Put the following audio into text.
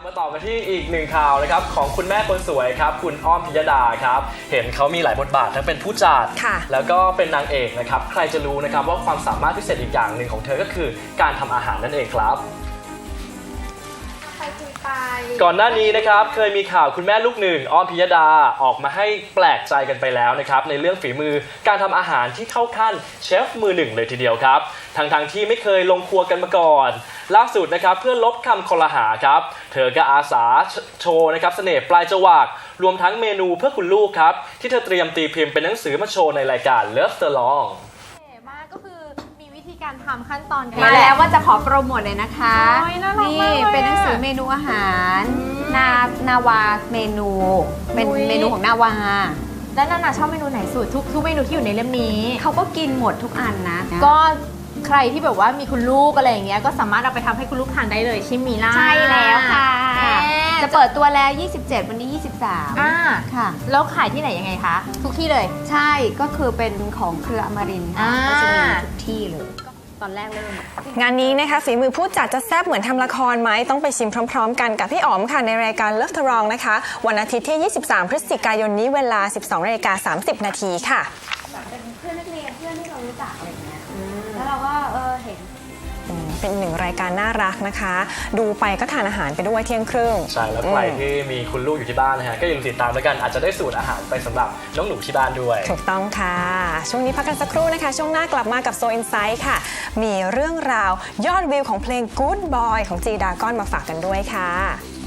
มาต่อกันที่อีกหนึ่งข่าวนะครับของคุณแม่คนสวยครับคุณอ้อมพิยดาครับเห็นเขามีหลายบทบาททั้งเป็นผู้จัดแล้วก็เป็นนางเอกนะครับใครจะรู้นะครับว่าความสามารถพิเศษอีกอย่างหนึ่งของเธอก็คือการทำอาหารนั่นเองครับก่อนหน้านี้นะครับเคยมีข่าวคุณแม่ลูกหนึ่งอ้อมพิยดาออกมาให้แปลกใจกันไปแล้วนะครับในเรื่องฝีมือการทำอาหารที่เข้าขั้นเชฟมือหนึ่งเลยทีเดียวครับทั้งที่ไม่เคยลงครัวกันมาก่อนล่าสุดนะครับเพื่อลบคำคอรหาครับเธอก็อาสาโชว์นะครับเสน่ห์ปลายจวักรวมทั้งเมนูเพื่อคุณลูกครับที่เธอเตรียมตีพิมพ์เป็นหนังสือมาโชว์ในรายการ Love the Long ก็คือมีวิธีการทำขั้นตอนมาแล้วว่าจะขอโปรโมทเลยนะคะนี่เป็เป็น นหหนันังงสืสืออเมนูอาหารนาวาเมนูเป็นเมนูของนาวาแล้วนานาชอบเมนูไหนสุดทุกเมนูที่อยู่ในเล่มนี้เขาก็กินหมดทุกอันนะก็ใครที่แบบว่ามีคุณลูกอะไรอย่างเงี้ยก็สามารถเอาไปทำให้คุณลูกทานได้เลยใช่ไหมล่ะใช่แล้วค่ะจะจะเปิดตัวแล้ว 27 วันนี้ 23 ค่ะแล้วขายที่ไหนยังไงคะทุกที่เลยใช่ก็คือเป็นของเครืออมรินทร์ค่ะก็จะมีทุกที่เลยตอนแรกเริ่มงานนี้นะคะฝีมือผู้จัดจะแซ่บเหมือนทำละครไหมต้องไปชิมพร้อมๆกันกับพี่อ๋อมค่ะในรายการ Love the Long นะคะวันอาทิตย์ที่ 23 พฤศจิกายนนี้เวลา 12:30 น.ค่ะเป็นเพื่อนนักเรียนเพื่อนที่เรารู้จักอะไรอย่างเงี้ยแล้วเราก็เห็นเป็นหนึ่งรายการน่ารักนะคะ ดูไปก็ทานอาหารไปด้วยเที่ยงครึ่งใช่แล้วใครที่มีคุณลูกอยู่ที่บ้านนะฮะก็อย่าลืมติดตามแล้วกันอาจจะได้สูตรอาหารไปสำหรับน้องหนูที่บ้านด้วยถูกต้องค่ะช่วงนี้พักกันสักครู่นะคะช่วงหน้ากลับมากับ So Insight ค่ะมีเรื่องราวยอดวิวของเพลง Good Boy ของ G Dragon มาฝากกันด้วยค่ะ